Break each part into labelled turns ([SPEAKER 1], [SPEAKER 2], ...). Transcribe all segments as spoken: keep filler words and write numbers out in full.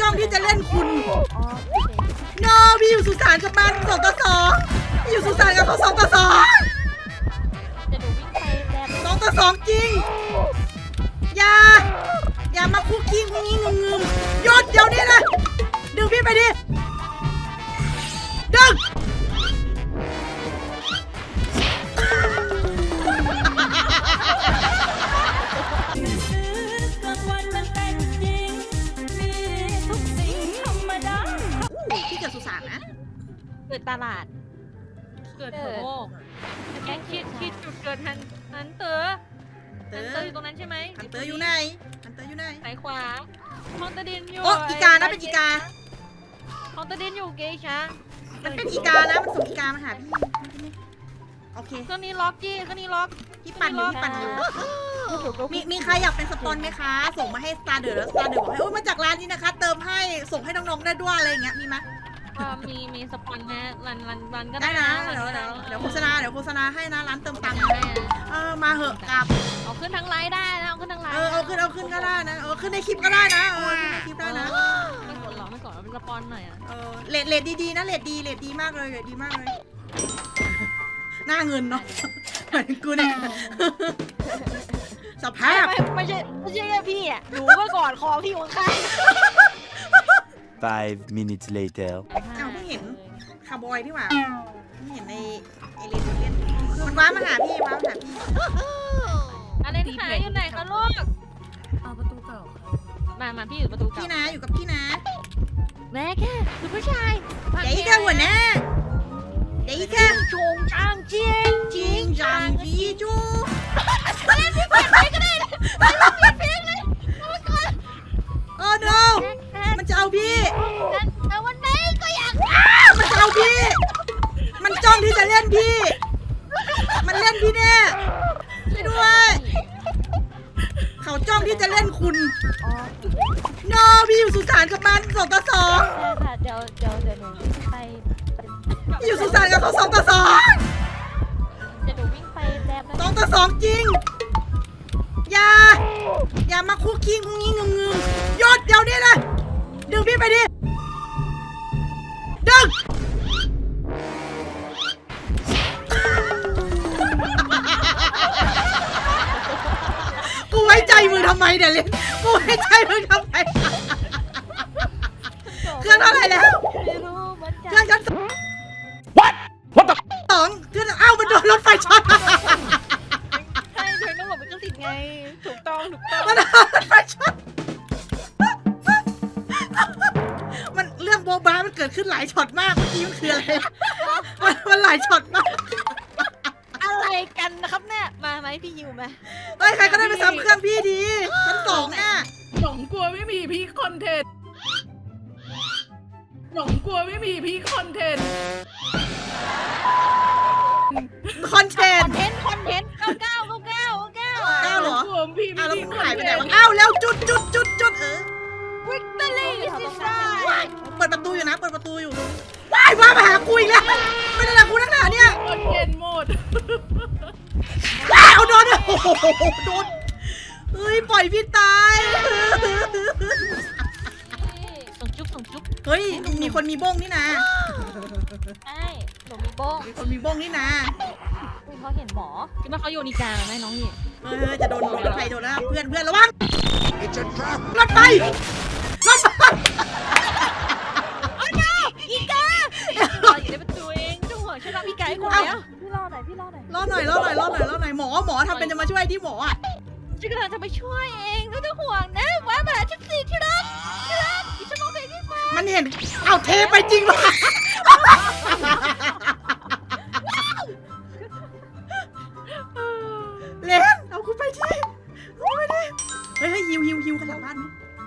[SPEAKER 1] จ้องที่จะเล่นคุณ
[SPEAKER 2] อ๋อโอเค
[SPEAKER 1] โนพี่อยู่สุสานกับมันสองต่อสองพี่อยู่สุสานกับเขาสองต่อสอง
[SPEAKER 2] จะหนูวิ่งไปแบบ
[SPEAKER 1] สองต่อสองจริงอย่าอย่ามาคุกกี้งุ้งงิ้งงุ้งงึมหยุดเดี๋ยวนี้นะดึงพี่ไปดิดึงพี่เกิดสุสานนะ
[SPEAKER 2] เกิดตลาด
[SPEAKER 3] เกิดโถแค่คิดคิดจุดเกิดทันทันเตอร์
[SPEAKER 1] เต
[SPEAKER 3] ทัน
[SPEAKER 1] อ
[SPEAKER 3] เตอร์อยู่ตรงนั้นใช่ไหม
[SPEAKER 1] ฮันเตอร์อยู่ไหนฮันเตอร์อยู่ไหน
[SPEAKER 3] สายขวาฮอนตาดินอยู่
[SPEAKER 1] โอ้อีกานะเป็นอีกา
[SPEAKER 3] ฮอนตาดินอยู่เกชา
[SPEAKER 1] มันเป็นอีกานะมันส่งอีกามาหาพี่โอเค
[SPEAKER 3] เครื่องนี้ล็อกจี้เครื่องนี้ล็อก
[SPEAKER 1] พี่ปั่นอยู่พี่ปั่นอยู่
[SPEAKER 2] หนูก็
[SPEAKER 1] มีมีใครอยากเป็นสปอนไหมคะ ส่งมาให้ Star เดอร์แล้ว Star เดอร์บอกให้โอ้ยมาจากร้านนี้นะคะ เติมให้ส่งให้น้องๆได้ด้วยอะไรอย่างเงี้ยมีไหม
[SPEAKER 3] อ่ามีมีสปอนนะรันรันรันก็
[SPEAKER 1] ได้
[SPEAKER 3] ได้
[SPEAKER 1] นะ
[SPEAKER 3] นะ
[SPEAKER 1] เดี๋ยว
[SPEAKER 3] รัน
[SPEAKER 1] เดี๋ยว
[SPEAKER 3] ก็ได้
[SPEAKER 1] เดี๋ยวโฆษณาเดี๋ยวโฆษณาให้นะร้านเติมตังค์
[SPEAKER 3] ได้
[SPEAKER 1] เออมาเหอะกลับ
[SPEAKER 3] เอาขึ้นทั้งไลน์ได้นะเอาขึ้นทั้งไลน์
[SPEAKER 1] เออเอาขึ้นเอาขึ้นก็ได้นะเออขึ้นในคลิปก็ได้นะเออขึ้นในคลิปได้นะ
[SPEAKER 3] ไม่กดหรอกไม่กดเอาเป็นสปอนหน่อยอ่ะ
[SPEAKER 1] เออเลดเลดดีๆนะเลดดีเลดดีมากเลยเลดดีมากเลยหน้าเงินเนาะเหมือนกูเนี่ยสภาพ
[SPEAKER 2] ไม่ไม่ใช่ไม่ใช่แค่พี่อ่ะหนูเมื่อก่อนคอพี่อยู่ข้าง
[SPEAKER 4] Five minutes later.
[SPEAKER 1] อ้าวเพิ่งเห็นคาร์บอยที่หว่าเพิ่งเห็นในไอเลนเล่นมันว้ามาหาพี่ว้ามาหาพี่
[SPEAKER 3] อะไรนี่คะอยู่ไหนคะลูก
[SPEAKER 5] เอาประตูเก่าค่ะ
[SPEAKER 3] มามาพี่อยู่ประตูเก่า
[SPEAKER 1] พี่นะอยู่กับพี่นะ
[SPEAKER 3] แม่แค่คือผู้ชาย
[SPEAKER 1] เดี๋ยวอีกแค่หัวหน้าเดี๋ยวอีกแค่
[SPEAKER 2] ๆชงช่างเจียง
[SPEAKER 1] จริงจังจีจูโอ้ no มันจะเอาพี่
[SPEAKER 2] แต่วันนี้ก็อยาก
[SPEAKER 1] มันจะเอาพี่ มันจ้องที่จะเล่นพี่ มันเล่นพี่แน่ช่วยด้วย เขาจ้องที่จะเล่นคุณ
[SPEAKER 2] อ๋อ
[SPEAKER 1] no พี่อยู่สุสานกับมันสองต่อสอง
[SPEAKER 2] ใช่ค่ะเดี๋ยวเดี๋ยวเดี๋ยวหนูวิ่งไป
[SPEAKER 1] พี่อยู่สุสานกับเขาสองต่อสอง
[SPEAKER 2] เดี๋ยวหนูวิ่งไปแบบ
[SPEAKER 1] สองต่อสองจริงอย่าอย่ามาคุกกี้งุ้งงิ้งงุ้งงึมหยุดเดี๋ยวนี้นะดึงพี่ไปดิดึงกูไว้ใจมึงทำไมเนี่ยเลยกูไว้ใจมึงทำไมเครื่องเท่าไหร่แล้ว
[SPEAKER 2] ไม่รู้เหมือน
[SPEAKER 1] เค
[SPEAKER 2] กั
[SPEAKER 1] รื่อน งชั้นสอง สองเครื่องเอ้ามันโดนรถไฟช็อต
[SPEAKER 2] ใช่เธอต้องบอกเป็นเครื่องติดไงถูกต้องถูกต้อง
[SPEAKER 1] มันโดนรถไฟช็อตมันเรื่องโบะบ้ามันเกิดขึ้นหลายช็อตมากเมื่อกี้มันคืออะไรมันมันหลายช็อตมาก
[SPEAKER 2] อะไรกันนะครับเนี่ยมาไหมพี่ยิวไหม
[SPEAKER 1] เฮ้ยใครก็ได้ไปซ้ำเครื่องพี่ดีชั้นสองน่ะ
[SPEAKER 5] หลงกลัวไม่มีพี่คอนเทนต์หลงกลัวไม่มีพี่คอนเทนต์
[SPEAKER 1] คอนเท
[SPEAKER 2] คน อน
[SPEAKER 1] ต์
[SPEAKER 2] เทนต์คอนเทนต์เก้าเก้าเก้าเก้าเก้า
[SPEAKER 1] เก้าเหรอ
[SPEAKER 5] กลัวพี่ไม่
[SPEAKER 1] อ้าวแล้ว
[SPEAKER 5] มี
[SPEAKER 1] มึง
[SPEAKER 5] คอน
[SPEAKER 1] หายไป
[SPEAKER 5] เท
[SPEAKER 1] ไหน
[SPEAKER 5] น
[SPEAKER 1] วะ
[SPEAKER 5] ต์
[SPEAKER 1] อ้าวแล้วจุดจุดจุดจุดเออ
[SPEAKER 2] วิกตอรี่ซิสซ่า
[SPEAKER 1] เปิดประตูอยู่นะเปิดประตูอยู่ว้ายว่ามาหากูอีกแล้วไม่ได้ละกูนักหนาเนี่ย
[SPEAKER 5] คอนเทนต์หมด
[SPEAKER 1] ว้าวโดนโอ้โหโดนเฮ้ยปล่อยพี่ตาย
[SPEAKER 3] ส่งจุ๊บส่งจุ๊บ
[SPEAKER 1] เฮ้ยมีคนมีบ้งนี่นะ
[SPEAKER 2] ใช่หนูมีโบ้ง
[SPEAKER 1] มีคนมีบ้งนี่นะ
[SPEAKER 2] อุ๊ยเขาเห็นหมอ
[SPEAKER 3] คิดว่าเขาโยนิกาไหมน้องนี่
[SPEAKER 1] เฮ้ยจะโดนรถไฟโดนแล้วเพื่อนเพื่อนระวังรถไฟรถไฟ
[SPEAKER 2] อีกา
[SPEAKER 3] เราอยู่ในประตูเองไม่ต้องห่วงฉันรับพี่ไก่คนเดียว
[SPEAKER 2] พี่รอหน่อยพี่รอหน่อย
[SPEAKER 1] รอหน่อยรอหน่อยรอหน่อยรอหน่อยหมอหมอทำเป็นจะมาช่วยที่หมออ่ะ
[SPEAKER 3] ฉันกำลังจะไปช่วยเองไม่ต้องห่วงนะว้ามาหาฉันสิที่รักที่รักดิฉันมองเห็นที่ฟ้า
[SPEAKER 1] มันเห็นเอาเทไปจริงวะเลนเอาคุณไปที่เอาไปดิเฮ้ยฮิวฮิวฮิวกันหลังบ้านไหม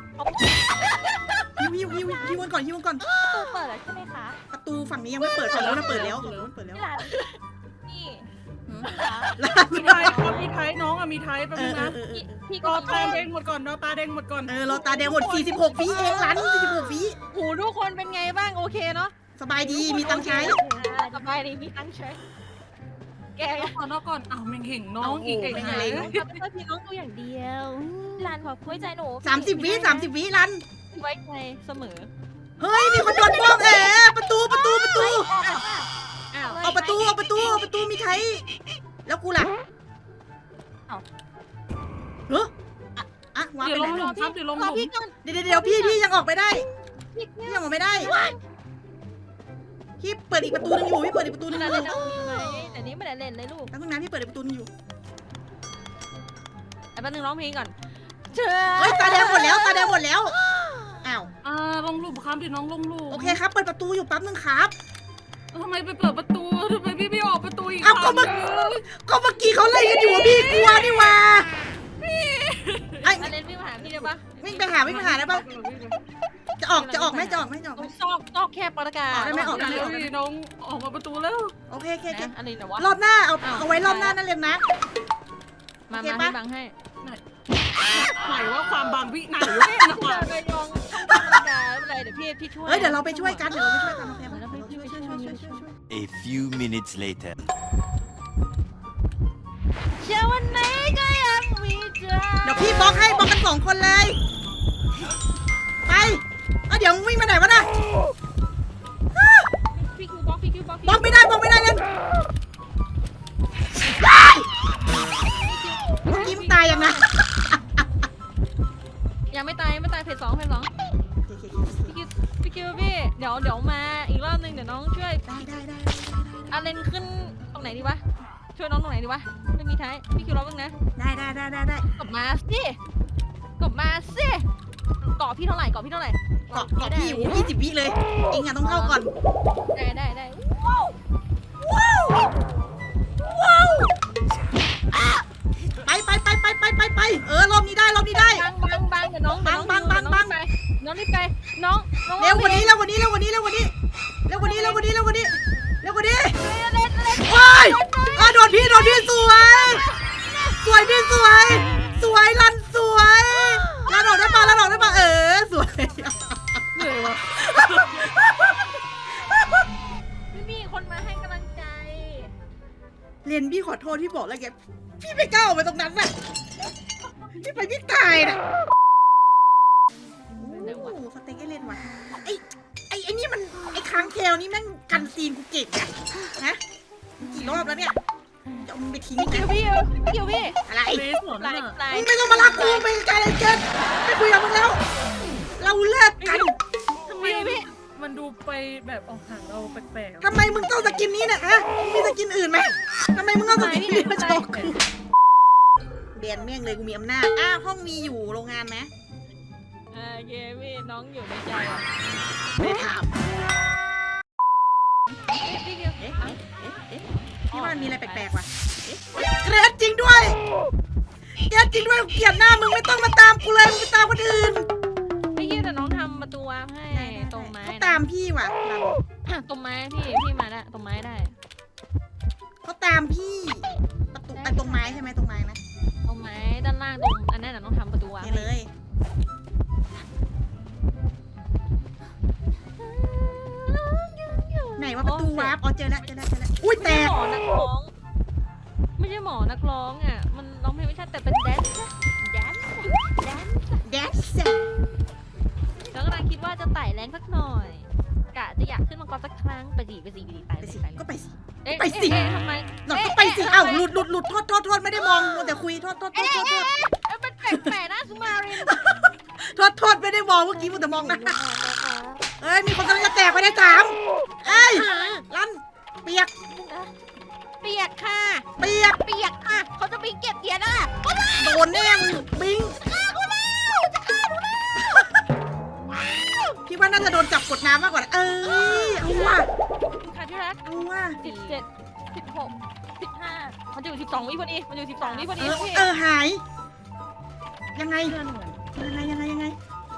[SPEAKER 1] ฮิวฮิวฮิวฮิวกันก่อนฮิวกันก่อน
[SPEAKER 2] ตู้เปิดแล้วใช่ไหมคะ
[SPEAKER 1] ประตูฝั่งนี้ยังไม่เปิดฝั่งนู้นนะเปิดแล้วฝั่งนู้นเปิดแล้ว
[SPEAKER 2] ที่ร้านนี่
[SPEAKER 1] หืม
[SPEAKER 2] นะคะ
[SPEAKER 5] มีไทยครับมีไทยน้องอะมีไทยแป๊บ
[SPEAKER 1] เอ
[SPEAKER 5] นึ
[SPEAKER 1] อง เอ
[SPEAKER 5] นะ
[SPEAKER 1] อเออเออ
[SPEAKER 2] พี่
[SPEAKER 5] ร
[SPEAKER 2] ก็
[SPEAKER 5] อ
[SPEAKER 2] มี
[SPEAKER 5] ตาแดงหมดก่อนรอตาแดงหมดก่อน
[SPEAKER 1] เออเราตาแดงหมดสี่สิบหกวิเองร้านสี่สิบหกวิ
[SPEAKER 3] หูทุกคนเป็นไงบ้างโอเคเนาะ
[SPEAKER 1] สบายดีมีตังค์ใช้
[SPEAKER 3] สบายดีมีตังค์ใช้แก
[SPEAKER 5] รอก่อนรอก่อนอ้าวแมงเห่งน้องอีกไอ้
[SPEAKER 1] ไม่
[SPEAKER 5] ไห
[SPEAKER 1] เป็นไร
[SPEAKER 5] น
[SPEAKER 3] ทำให้พี่น้องตัวอย่างเดียว
[SPEAKER 2] ร้านขอคุยใจหนู
[SPEAKER 1] สามสิบวิสามสิบวิรัน
[SPEAKER 3] ไว้ใจเสมอ
[SPEAKER 1] เฮ้ยมีคนโดนบ้องแอบประตูประตูประตู
[SPEAKER 3] อ้าว
[SPEAKER 1] เอาประตูเอาประตูเอาประตูมีใครแล้วกูล่ะเฮ้ออะอะวาง
[SPEAKER 5] เดี๋ย
[SPEAKER 1] ไป
[SPEAKER 5] วล
[SPEAKER 1] ไหน
[SPEAKER 5] งหลุมครับเดี๋ยวลงห
[SPEAKER 3] รอ
[SPEAKER 5] ลุม
[SPEAKER 3] พี่ก่อน
[SPEAKER 1] เดี๋ยวเดี๋ยวพี่พี่ยังออกไปได้
[SPEAKER 3] พี่
[SPEAKER 1] พี่
[SPEAKER 3] เนี่ย
[SPEAKER 1] ยังออกไม่ได้พี่เปิดอีกประตูนึงอยู่พี่เปิดอีกประตูนึงอ
[SPEAKER 3] นั่น
[SPEAKER 1] ยู่
[SPEAKER 3] เล่นเอามีไหมแต่นี้ไม่ได้เล่นเลยลูก
[SPEAKER 1] แป๊บนึงนะพี่เปิดอีกประตูนึงอยู่
[SPEAKER 3] แต่แป๊บนึงร้องเพลงก่อนเชิญ
[SPEAKER 1] เฮ้ยตาแดงหมดแล้วตาแดงหมดแล้วอ้าว
[SPEAKER 5] อ่าลงหลุมครับเดี๋ยวน้องลงหลุม
[SPEAKER 1] โอเคครับเปิดประตูอยู่แป๊บนึงครับ
[SPEAKER 5] ทำไมไปเปิดประตูทำไมพี่ไม่ออกประตูอีก
[SPEAKER 1] เอ้าก็เมื่อ ก็เมื่อกี้เขาไล่กันอยู่อะพี่กลัวนี่หว่าไอ้
[SPEAKER 3] มาเล่นวิ่งมาหาพี่ได้ปะ
[SPEAKER 1] วิ่งไปหาวิ่งไปหาได้ปะจะออกจะออกไหมจะออกไหมจะออกไหม
[SPEAKER 3] ต้องซอกซอกแคบประกาศ
[SPEAKER 1] ออกได้ไหมออกได้ไหม
[SPEAKER 5] เร็วๆน้องออกมาประตูแล้ว
[SPEAKER 1] โอเคโอเคโอเค
[SPEAKER 3] นะอะไรนะวะ
[SPEAKER 1] รอบหน้าเอา
[SPEAKER 3] อ้าว
[SPEAKER 1] เอาไว้รอบหน้านั่นเลยนะ
[SPEAKER 3] มา
[SPEAKER 1] โอเค
[SPEAKER 3] มา
[SPEAKER 1] ปะ
[SPEAKER 3] พี่บังให้
[SPEAKER 5] ไหนว่าความบางวิไหนวะ
[SPEAKER 3] เดี๋ยวไปลองประกาศไม่เป็นไรเดี๋ยวพี่พี่ช่วย
[SPEAKER 1] เฮ้ยเดี๋ยวเราไปช่วยกันเดี๋ยวเราไปช่วยกันโอเคไหม
[SPEAKER 3] เดี๋ยวเราไป
[SPEAKER 1] ช่วยช่วยช่วยช่วยช่วยช่วย
[SPEAKER 4] A few minutes later.
[SPEAKER 3] เชื่อวันไหนก็ยังมีเธอ
[SPEAKER 1] เดี๋ยวพี่บล็อกให้บล็อกกันสองคนเลยไปเอาเดี๋ยวมึงวิ่งไปไหนวะน่ะ
[SPEAKER 3] พี่คิวบล็อกพี่คิวบล็อก
[SPEAKER 1] บล็อกไม่ได้บล็อกไม่ได้เลยเมื่อกี้มึงตายยังไง
[SPEAKER 3] ยังไม่ตายยังไม่ตายเพจสองเพจสองพี่คิวพี่คิวพี่เดี๋ยวเดี๋ยวมาอีกรอบนึงเดี๋ยวน้องช่วย
[SPEAKER 1] ได้ได้ได้
[SPEAKER 3] อาเลนขึ้นตรงไหนดีวะช่วยน้องตรงไหนดีวะไม่มีท้ายพี่คิวรอบ้างนะ
[SPEAKER 1] ได้ได้ได้ได้ได้
[SPEAKER 3] กลับมาสิกลับมาสิเกาะพี่เท่าไหร่เกาะพี่เท่าไหร่
[SPEAKER 1] เกาะเกาะพี่อยู่ยี่สิบวิเลยเองอะต้องเข้าก่อน
[SPEAKER 3] ได้ได้ได้
[SPEAKER 1] ไปไปไปไปไปไปไปเออรอบนี้ได้รอบนี้ได้
[SPEAKER 3] บังบังบังเดี๋ยวน้อง
[SPEAKER 1] บังบังบังบัง
[SPEAKER 3] น้องรีบไปน้องน้อง
[SPEAKER 1] เร็วกว่านี้เร็วกว่านี้เร็วกว่านี้เร็วกว่านี้เร็วกว่านี้เร็วกว่านี้เร็วกว่านี้เร็วกว่านี้
[SPEAKER 3] เล่นเล่น
[SPEAKER 1] โอ้ยอ่ะโดนพี่โดนพี่สวย สวยพี่สวย สวยรันสวยรันออกได้ปะรันออกได้ปะเออสวย
[SPEAKER 5] เหนื่อยวะ
[SPEAKER 3] ไม่มีคนมาให้กำลังใจ
[SPEAKER 1] เรียนพี่ขอโทษพี่บอกแล้วแกพี่ไม่กล้าออกไปตรงนั้นน่ะพี่ไปพี่ตายน่ะโอ้โหสเต็กเอเลนว่ะไอ้ไอ้ไอ้นี่มันไอ้ค้างเทลนี่แม่งกันซีนกูเก่งอะฮะกี่รอบแล้วเนี่ยจะเอามึงไปทิ้ง
[SPEAKER 3] พี่
[SPEAKER 1] นะ
[SPEAKER 3] คิวพี่พี่คิวพี่
[SPEAKER 1] อะไร
[SPEAKER 5] เลสเหรอ
[SPEAKER 3] ไล่
[SPEAKER 5] นั่นน่ะ
[SPEAKER 3] ไล่
[SPEAKER 1] มึงไม่ต้องมารักกูไปไกลเลยเกินไม่คุยกับมึงแล้ว เราเลิกกัน
[SPEAKER 5] ทำไมมันดูไปแบบออกห่างเราแปลกๆ
[SPEAKER 1] ทำไมมึงต้องสกินนี้เนี่ยฮะมึงมีสกินอื่นไหมทำไมมึงต้องสกินนี้มาโชว์กูเบียนเมี่ยงเลยกูมีอำนาจอ้าวห้องมีอยู่โรงงานไหม
[SPEAKER 3] โอเคพี่น้องอยู่ในใจอ่ะ
[SPEAKER 1] ไม่ได้ถาม
[SPEAKER 3] พี่คิว
[SPEAKER 1] เอ๊ะเอ๊ะเอ๊ะเอ๊ะพี่ว่ามันมีอะไรแปลกๆว่ะเอ๊ะเกรดจริงด้วยเกรดจริงด้วยกูเกลียดหน้ามึงไม่ต้องมาตามกูเลยมึงไปตามคนอื่น
[SPEAKER 3] พี่คิวแต่น้องทำประตูวาร์ปให้ตรงไม้
[SPEAKER 1] เขาตามพี่ว่ะเรา
[SPEAKER 3] ตรงไม้พี่พี่มาได้ตรงไม้ได้
[SPEAKER 1] เขาตามพี่ประตูไอ้ตรงไม้ใช่ไหมตรงไม้นะ
[SPEAKER 3] ตรงไม้ด้านล่างตรงอันนั้นน่ะต้องทำประตูวาร์ป
[SPEAKER 1] นี่เลยไหนว่าประตูวาร์ปอ๋อเจอแล้วเจอแล้วเจอแล้วอุ้ยแต
[SPEAKER 3] ไม่ใช่
[SPEAKER 1] ก
[SPEAKER 3] หมอนักร้อง ไม่ใช่หมอนักร้องอ่ะ มันร้องเพลงไม่ใช่แต่เป็นแดนซ์แดนซ์แดนซ์
[SPEAKER 1] แดนซ์
[SPEAKER 3] แล้วกำลังคิดว่าจะไต่แรงสักหน่อย กะจะอยากขึ้นมังกรสักครั้งไปสิไปสิไปสิไป
[SPEAKER 1] ไป
[SPEAKER 3] ไป
[SPEAKER 1] สิ
[SPEAKER 3] ไป
[SPEAKER 1] ก็ไปสิ
[SPEAKER 3] เอ๊ะ
[SPEAKER 1] ไปสิ
[SPEAKER 3] เอ๊ะทำไม
[SPEAKER 1] หนอก็ไปสิอ้าวหลุดหลุดหลุดโทษโทษโทษไม่ได้มองมัวแต่คุยโทษโทษโทษโทษโทษ
[SPEAKER 3] เอ๊ะเป็นแปลกๆนะสุมาริน
[SPEAKER 1] โทษโทษไม่ได้มองเมื่อกี้มัวแต่มองหนะเอ้ยมีคนกำลังจะแตกไปได้สามเอ้ยลั่นเปียก
[SPEAKER 3] เปียกค่ะ
[SPEAKER 1] เปียก
[SPEAKER 3] เปียกค่ะ เขาจะไปเก็บเหรียญอ่ะ
[SPEAKER 1] โดนแน่มึงบิงพี่ว่าน่าจะโดนจับกดน้ำมากกว่านะเอ้ยเอาว่ะ
[SPEAKER 3] ค่ะที่รัก
[SPEAKER 1] เอาว่ะ
[SPEAKER 3] สิบเจ็ดสิบหกสิบห้ามันจะอยู่สิบสองวิพอดี มันอยู่สิบสองวิพอ
[SPEAKER 1] เอ
[SPEAKER 3] ดี
[SPEAKER 1] อ
[SPEAKER 3] พี่
[SPEAKER 1] เออหาย ยังไง
[SPEAKER 5] เพื่อนเหมือน
[SPEAKER 1] ยังไงยังไงยังไง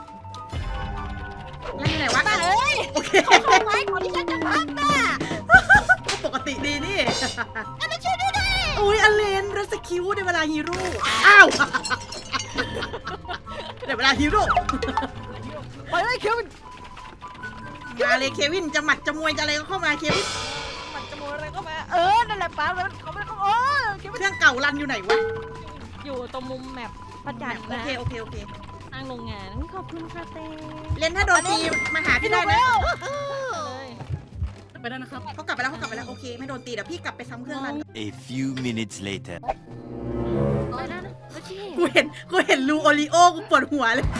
[SPEAKER 1] แล้วอยู่ไหนวะ
[SPEAKER 3] มาเอ้ย
[SPEAKER 1] โอเค
[SPEAKER 3] เขาทำไมก่อนที่ฉันจะพักน่ะ
[SPEAKER 1] ปกติดีนี่
[SPEAKER 3] อันนั้นช่วยด้วยดิ
[SPEAKER 1] อุ้ยอเลนรัสคิวในเวลาฮีโร่อ้าวในเวลาฮีโร่
[SPEAKER 3] ไปเลยเควิน
[SPEAKER 1] มาเลยเควินจะหมัดจะมวยจะอะไรก็เข้ามาเควิน
[SPEAKER 3] มันจะโมอะไรเข้ามา เออ นั่นแหละป้าแล้วเขาไม่เขาโอ้เควิน
[SPEAKER 1] เครื่องเก่ารันอยู่ไหนวะ
[SPEAKER 3] อยู่ตรงมุมแมปพระจันทร์
[SPEAKER 1] โอ
[SPEAKER 3] นะ
[SPEAKER 1] เคโอเคโอเค
[SPEAKER 3] ทางางโรงงานขอบคุณค่ะเต้
[SPEAKER 1] เลนถ้าโดนตีมาหาพี่ได้นะ
[SPEAKER 3] เลย
[SPEAKER 5] ไปได้นะครับ
[SPEAKER 1] เขากลับไปแล้วเขากลับไปแล้วโอเคไม่โดนตีเดี๋ยวพี่กลับไปซ้ำเครื่องนั้น
[SPEAKER 4] A few minutes later.
[SPEAKER 3] ไปแล้วนะโอเค
[SPEAKER 1] กูเห็นกูเห็นรูโอริโอกูปวดหัวเลย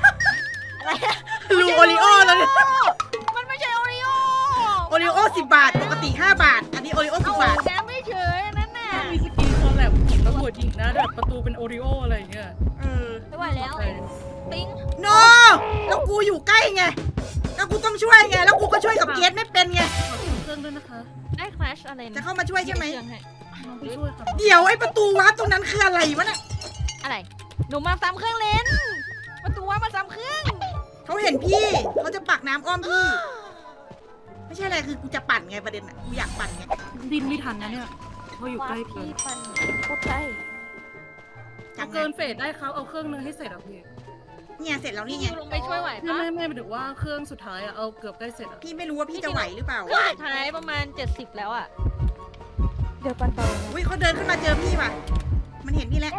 [SPEAKER 1] รูโอริโอแล้วเนี่ย
[SPEAKER 3] มันไม่ใช่โอริโอ
[SPEAKER 1] โอริโอสิบบาทปกติห้าบาท อันนี้โอริโอสิบบาท
[SPEAKER 3] แกไม่เฉยนั่นน่ะ
[SPEAKER 5] ถ้ามีสกีคอลแลบของตำรวจหญิงนะแบบประตูเป็นโอริโออะไรอย่างเงี้ย
[SPEAKER 1] เออ
[SPEAKER 3] ไม่ไหวแล้วติ้ง
[SPEAKER 1] โนแล้วกูอยู่ใกล้ไงแล้วกูต้องช่วยไงแล้วกูก็ช่วยกับเกสไม่เป็นไง
[SPEAKER 5] ขอเครื่องด้วยนะคะ
[SPEAKER 3] ได้คลาชอะไรนะ
[SPEAKER 1] จะเข้ามาช่วยใช่ไหม
[SPEAKER 3] เครื่องให้
[SPEAKER 5] น้องไปช่วยค่ะ
[SPEAKER 1] เดี๋ยวไอ้ประตูวาร์ปตรงนั้นคืออะไรวะน่ะ
[SPEAKER 3] อะไรหนูมาซ้ำเครื่องเลนประตูว่ามาซ้ำเครื่อง
[SPEAKER 1] เขาเห็นพี่เขาจะปักน้ำอ้อมพี่ ไม่ใช่อะไรคือกูจะปั่นไงประเด็นอ่ะกูอยากปั่นไง
[SPEAKER 5] ดินไม่ทันนะเนี่ยเพราะอยู่ใกล้เกิ
[SPEAKER 3] พี่
[SPEAKER 5] น
[SPEAKER 3] ปันโคตรใกล้
[SPEAKER 1] จั
[SPEAKER 5] เอา
[SPEAKER 1] งไง
[SPEAKER 5] เกินเฟสได้ครับเอาเครื่องนึงให้เสร็จอ่ะพี่
[SPEAKER 1] เนี่ยเสร็จแล้ว
[SPEAKER 3] พี่
[SPEAKER 1] นี่ไง
[SPEAKER 3] ยูลงไปช่วยไหว
[SPEAKER 5] ไม่
[SPEAKER 3] ปะ
[SPEAKER 5] ไม่ไม่หมายถึงว่าเครื่องสุดท้ายอ่ะเอาเกือบได้เสร็จอ่ะ
[SPEAKER 1] พี่ไม่รู้ว่าพี่จะไหวหรือเปล่า
[SPEAKER 3] เครื่องสุดท้ายประมาณเจ็ดสิบแล้วอ่ะเดี๋ยวปันต่อ
[SPEAKER 1] อุ้ยเขาเดินขึ้นมาเจอพี่ว่ะมันเห็นพี่แล้ว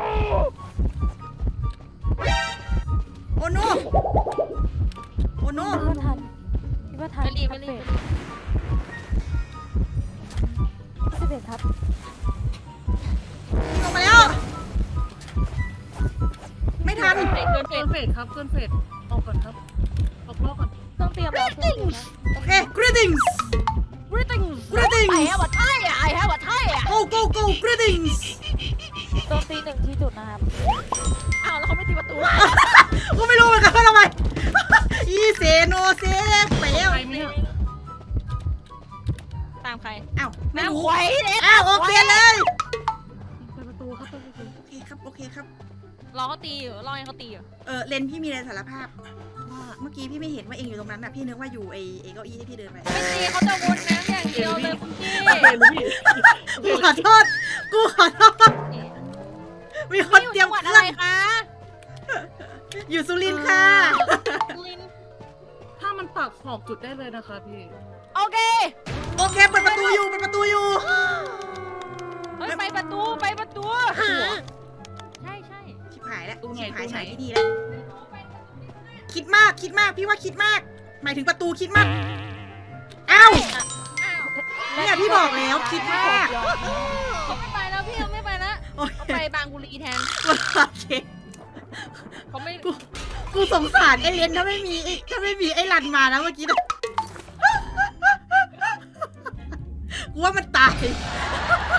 [SPEAKER 1] โอโนโอโน
[SPEAKER 3] ว่าทันคิดว่าทันไม่รีบไม่รีบ
[SPEAKER 2] สิบเอ็ดครับ
[SPEAKER 1] ลงมาแล้ว ไม่ทัน
[SPEAKER 3] เกินเกิน
[SPEAKER 5] เกินเฟสครับเกินเฟสออกก่อนครับออกรอบก่อน
[SPEAKER 2] ต้องเตรียมแล้วเครื่องเตรียมแล้ว
[SPEAKER 1] โอเค greetings
[SPEAKER 3] บริติง
[SPEAKER 1] greetings
[SPEAKER 3] ไอ้ฮะวัดไทยอ่ะไอ้ฮะวัดไทยอ่ะ
[SPEAKER 1] go go go greetings
[SPEAKER 2] โจมตีหนึ่งที่จุดนะครับ
[SPEAKER 3] อ้าวแล้วเขาไม่ตีประตู
[SPEAKER 1] กูไม่รู้เหมือนกันว่าทำไม อีเซโนเซไปแล้ว
[SPEAKER 5] ใครไหมเนี่ย
[SPEAKER 3] ตามใคร
[SPEAKER 1] อ้าวไม่รู้
[SPEAKER 3] ไว้เลย
[SPEAKER 1] อ้าวโอเคเลย
[SPEAKER 5] เปิดประตูครับเปิดประตู
[SPEAKER 1] โอเคครับโอเคครับ
[SPEAKER 3] รอเขาตีอยู่รอให้เขาตีอยู่
[SPEAKER 1] เออเลนพี่มีอะไรสารภาพว่าเมื่อกี้พี่ไม่เห็นว่าเองอยู่ตรงนั้นน่ะพี่นึกว่าอยู่ไอ้ไอ้เก้าอี้ที่พี่เดินไป
[SPEAKER 3] ไม่ตีเขาจะวนน้ำอย่างเดียวเลยคุณพี่
[SPEAKER 5] เห็นรู้พี่
[SPEAKER 1] กูขอโทษกูขอโทษมีคน
[SPEAKER 3] อยู่
[SPEAKER 1] เตรีย
[SPEAKER 3] จั
[SPEAKER 1] ม
[SPEAKER 3] งหวัด
[SPEAKER 1] เค
[SPEAKER 3] อะ
[SPEAKER 1] รื่
[SPEAKER 3] ไร
[SPEAKER 1] อง
[SPEAKER 3] คะ
[SPEAKER 1] อยู่สุรินทร์ค่ะ
[SPEAKER 3] ลิน
[SPEAKER 5] ถ้ามันปักขอบจุดได้เลยนะคะพี่
[SPEAKER 3] โอเค
[SPEAKER 1] โอเคเปิดประตูอยู่เปิดประตูอยู่
[SPEAKER 3] เฮ้ยไปประตูไปประตูใช่ใช่
[SPEAKER 1] ชิบหายแล้ว
[SPEAKER 5] ตู้ไหน
[SPEAKER 1] ชิบหาย
[SPEAKER 5] ตู้ไหน
[SPEAKER 1] ฉายที่นี่แล้วคิดมากคิดมากพี่ว่าคิดมาก หมายถึงประตูคิดมากอ้าว
[SPEAKER 3] อ้าว
[SPEAKER 1] เนี่ยพี่บอกแล้วคิดมาก
[SPEAKER 3] เขาไม่ไปแล้วพี่เขาไม่ไปแล้ว
[SPEAKER 1] โอเค
[SPEAKER 3] เขาไปบางบุรีแทน
[SPEAKER 1] โอเค
[SPEAKER 3] เขาไม่
[SPEAKER 1] กูกูสงสารไอ้เลนถ้าไม่มีไอ้ถ้าไม่มีไอ้รันมานะเมื่อกี้นะกูว่ามันตาย